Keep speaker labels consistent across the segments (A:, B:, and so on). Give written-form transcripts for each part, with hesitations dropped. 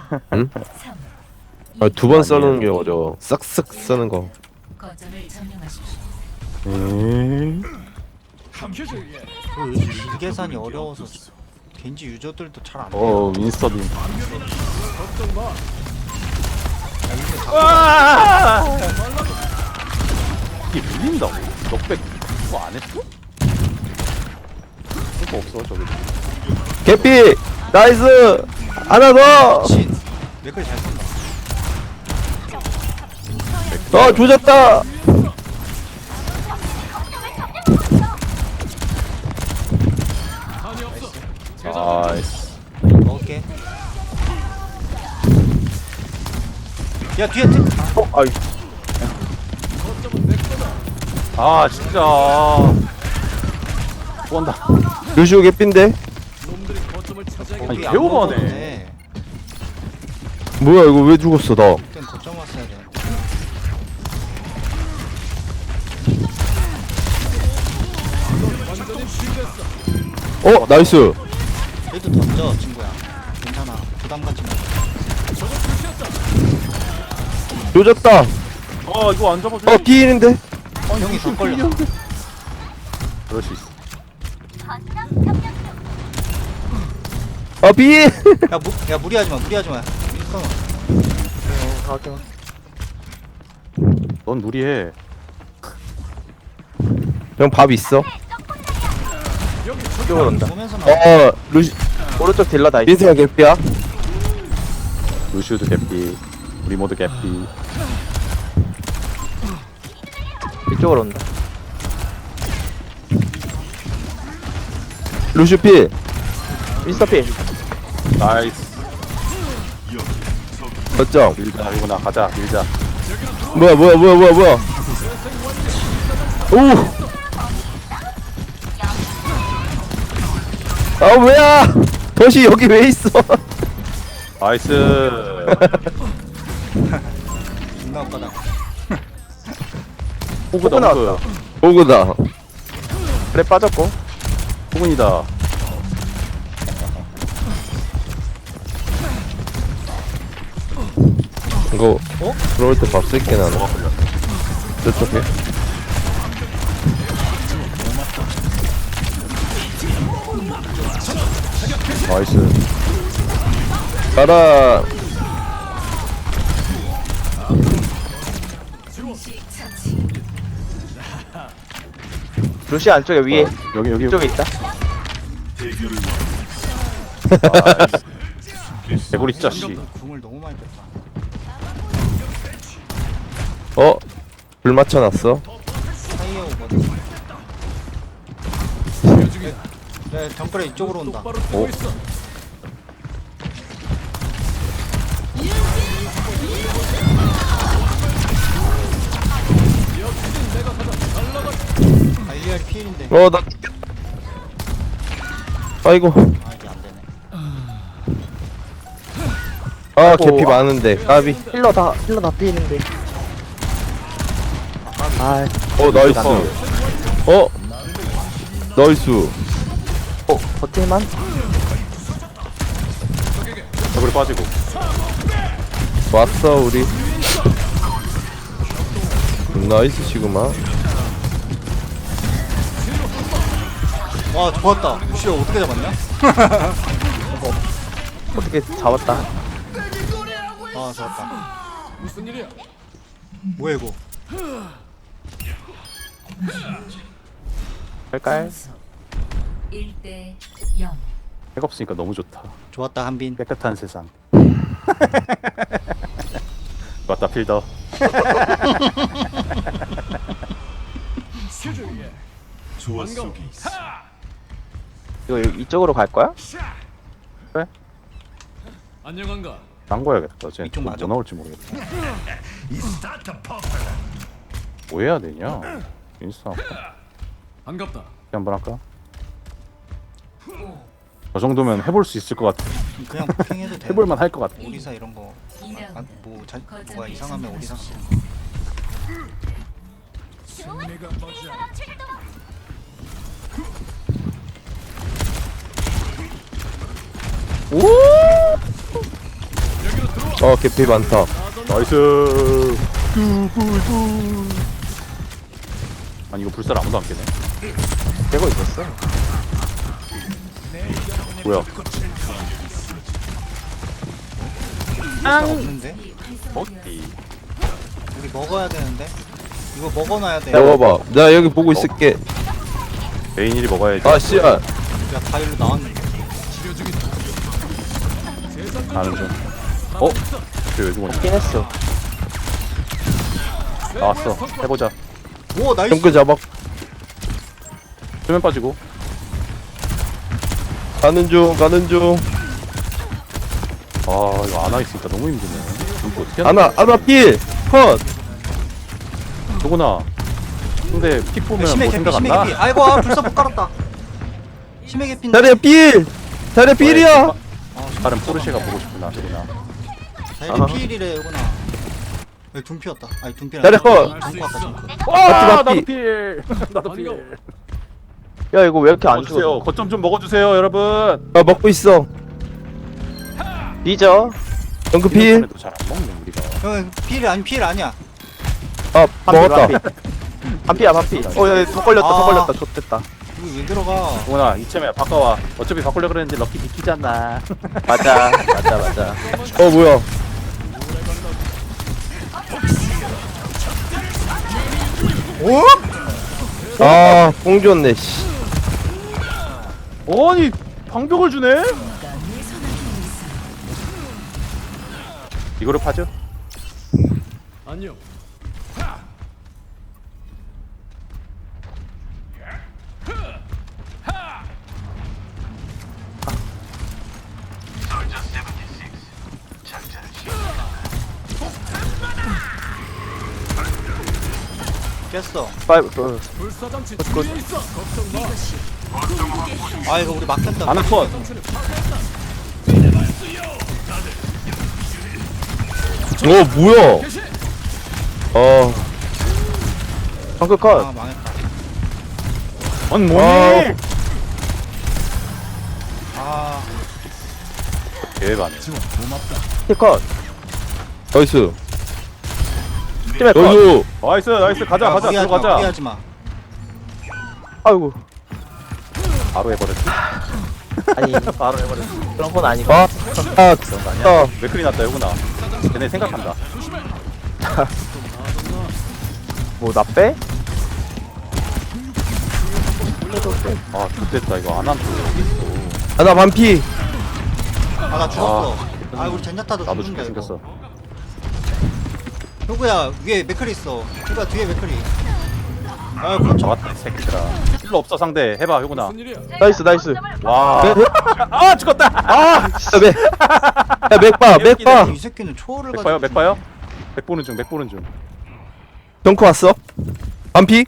A: 응? 아, 두 번 써는 게 어려워. 싹싹 쓰는 거.
B: 거점을 점령하십시오.
C: 그 계산이 어려워서 겐지 유저들도 잘 안 돼요.
D: 윈스턴이. 이게 밀린다고? 넉백 그거 안 했어? 그거 없어 저기.
A: 개피! 나이스! 하나 더!
C: 신 맥을 잘 쓴다.
A: 조졌다!
D: 아이씨.
C: 먹을게. 야 뒤에 팀.
D: 아이. 아 진짜. 뭐한다.
A: 루시오 개피인데?
D: 아니
C: 우리 안
D: 개오버하네.
C: 먹었는데
A: 뭐야 이거 왜 죽었어 나?
C: 그땐 거점 왔어야 돼.
A: 나이스!
C: 얘도 던져 친구야. 괜찮아. 부담 갖지 마.
A: 조졌다!
D: 이거 안 잡아줘.
A: 피인인데?
C: 형이 더 걸려.
D: 그럴 수 있어.
A: 피!
C: 야 무리하지 마. 무리하지 마. 끊어.
D: 넌 무리해.
A: 형 밥 있어?
E: 이쪽으로 온다.
C: 보면서 나.
A: 루시
E: 오른쪽 딜러 다 있어.
A: 민세가 개피야?
D: 루시우도 개피. 우리 모두 개피.
E: 이쪽으로 온다.
A: 루시 피!
E: 미스터 필.
D: 나이스.
A: 어쩜?
D: 밀자 이거나 가자 밀자.
A: 뭐야 오! 뭐야! 덫이 여기 왜 있어?
D: 나이스.
C: 존나 웃가다.
D: 호그다 호그.
A: 오구다.
E: 그래 빠졌고.
D: 호근이다.
A: 이거 들어올 때 밥 쓸게 나는. 저쪽에.
D: 나이스.
A: 가라.
E: 루시 안쪽에 위에
D: 여기
E: 이쪽에 있다.
D: 개구리 자식.
C: 궁을 너무 많이 뺐다.
A: 불 맞춰놨어.
C: 사이에 오거든. 네, 정글에 이쪽으로 온다. 알리알 피일인데.
A: 나 죽겠다. 아이고.
C: 아 이게 안 되네.
A: 개피 많은데. 까비.
E: 힐러 다 피했는데.
A: 나이스. 나이스.
E: 버틸만?
D: 개구리 빠지고.
A: 왔어 우리. 나이스 시그마.
C: 와 좋았다. 루시오 어떻게 잡았냐?
E: 어떻게 잡았다.
C: 아 좋았다. 무슨 일이야? 뭐야 이거?
E: 할까요?
B: 1대 0.
D: 핵 없으니까 너무 좋다.
C: 좋았다 한빈.
D: 깨끗한 세상. 맞다 필더.
E: 이거 이쪽으로 갈 거야?
F: 안녕한가?
D: 딴거야겠다. 쟤
C: 이쪽
D: 뭐
C: 맞아?
D: 나올지 모르겠다. 뭐 해야 되냐? 인스타
F: 반갑다.
D: 한번 할까? 저 정도면 해볼 수 있을 것 같아.
C: 그냥 폭행해도 돼.
D: 해볼만 할 것 같아.
C: 오리사 이런 거. 뭐가 이상하면 오리사.
A: 개피 많다.
D: 나이스. 아니 이거 불살 아무도 안 깨네.
E: 깨고 있었어.
D: 뭐야?
C: 없는데?
D: 어디?
C: 우리 먹어야 되는데? 이거 먹어놔야 돼.
A: 먹어봐. 나 여기 보고 있을게.
D: 메인일이 먹어야지.
A: 아 씨야.
C: 야, 바일로 나왔는데.
D: 가는 중. 어? 쟤왜 죽었냐?
E: 죽긴 했어.
D: 나왔어. 해보자.
C: 오, 나이스.
A: 정크 잡아.
D: 수면 빠지고.
A: 가는 중.
D: 아 이거 안와 있으니까 너무 힘드네. 이거 어떻게 하나?
A: 아나 필. 컷.
D: 누구나. 근데 픽 보면
C: 심해
D: 뭐
C: 개피,
D: 생각 안
C: 심해
D: 나?
C: 개피. 아이고, 아, 불사 못 깔았다. 심해 개피인데.
A: 자리야 필. 자리야 필이야.
D: 다른 포르쉐가 보고 싶구나. 소리나.
C: 다이리 피일이래, 이구나. 여기 둠피였다. 아니, 둠피
A: 자리야 컷.
C: 둠피 아까 둠피.
D: 와
A: 나도
D: 나도
A: 필.
D: 필. 나도 필.
E: 야 이거 왜 이렇게 안
D: 먹어주세요.
E: 죽어?
D: 거점 좀 먹어주세요, 여러분.
A: 아 먹고 있어.
E: 뒤져.
A: 정크 필.
D: 잘안 먹네 우리가.
C: 형, 피일 아니, 피일 아니야.
A: 아 먹었다.
E: 반피야 반피. 더 걸렸다 더
C: 아.
E: 걸렸다. 좋됐다.
C: 이거 왜 들어가?
D: 동훈아 이참에 바꿔와. 어차피 바꾸려 그랬는데 럭키 비키잖아.
E: 맞아.
A: 뭐야? 아, 뽕 줬네, 씨.
D: 아니 방벽을 주네? 이거로 파죠?
F: 안녕.
C: 깼어.
E: 파이브.
F: 불사장치 준비해 있어. 걱정 마.
C: 아, 이거 우리 막혔다.
D: 아나콘.
A: 뭐야?
E: 정크 컷.
C: 아, 망했다.
D: 아니 뭐니?
C: 아,
D: 대박.
E: 힐컷.
A: 나이스.
E: 팀의 컷.
A: 나이스.
D: 나이스 가자 가자 들어가자.
C: 무리하지 마.
E: 아이고.
D: 바로 해버렸지?
E: 아니
D: 바로 해버렸지.
E: 그런 건 아니고.
D: 맥클이 났다 여구나. 걔네 생각한다.
E: 뭐 나 빼?
D: 아 좋됐다 이거 안 하면 여기 있어.
A: 나 반피.
C: 아, 나 죽었어. 아, 우리 젠자타도
D: 나도
C: 죽는다,
D: 죽게
C: 이거.
D: 생겼어.
C: 효구야, 위에 맥클이 있어. 효구야, 뒤에 맥클이. 아, 그렇죠.
D: 잡았다 이 새끼들아. 힐러 없어 상대. 해봐 효구나.
F: 무슨 일이야?
E: 나이스.
D: 와.
A: 네?
D: 아 죽었다. 아.
A: 야, 맥봐.
C: 이 새끼는 초월을
D: 맥 봐요
C: 가지고
D: 맥 봐요. 맥 보는 중 맥 보는 중.
A: 덩크 왔어. 반피.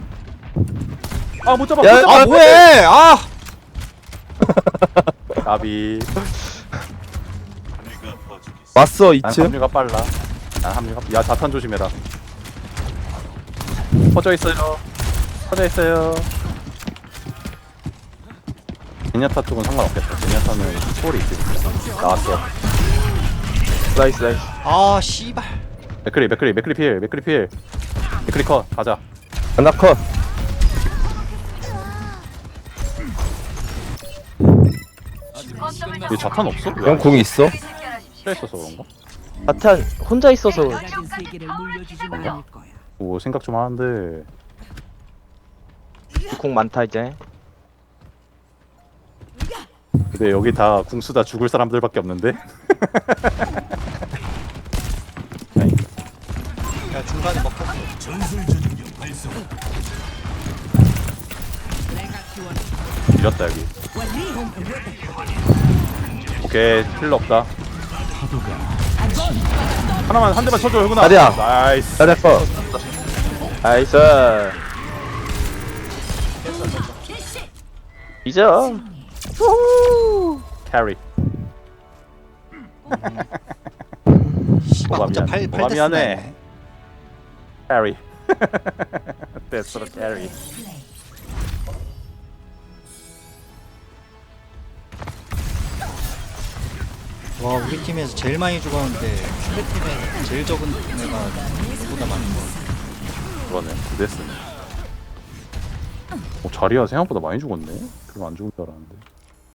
D: 아 못 잡아.
A: 야,
D: 못 잡아.
C: 아, 뭐해! 아!
D: 나비.
A: 왔어,
D: 난
A: 2층.
D: 합류가 빨라. 난 합류가. 야 자탄 조심해라. 퍼져 있어요. 퍼져 있어요. 제니아타 쪽은 상관없겠다. 제니아타는 초월이 있으니까. 나왔어.
E: 나이스.
C: 아, 씨발.
D: 맥크리 필. 맥크리 컷. 가자.
A: 하나 컷.
D: 얘 자탄 없어?
A: 형 공 있어?
D: 힐 있어서 그런가?
E: 바탄 혼자 있어서
G: 가진 세계를 물려주진 않을 거야.
D: 오 생각 좀 하는데.
E: 공 많다 이제.
D: 근데 여기 다 궁수다 죽을 사람들밖에 없는데?
C: 야, 중간에 먹혔어.
D: 밀었다 여기. 오케이 힐러 없다. 하나만 한 대만 쳐줘 형구나.
A: 자리야.
D: 나이스.
A: 자리야 컷.
E: 나이스. 잊어.
D: 캐리.
C: 씨발,
D: 뭐가
C: 혼자
D: 미안해.
C: 팔
D: 뭐가
C: 데스
D: 미안해.
C: 나네.
D: 캐리. 됐어 캐리.
C: 와 우리 팀에서 제일 많이 죽었는데 상대 팀에 제일 적은 애가 보다 많은 거.
D: 그러네. 데스네. 자리야 생각보다 많이 죽었네. 별로 안 죽은 줄 알았는데.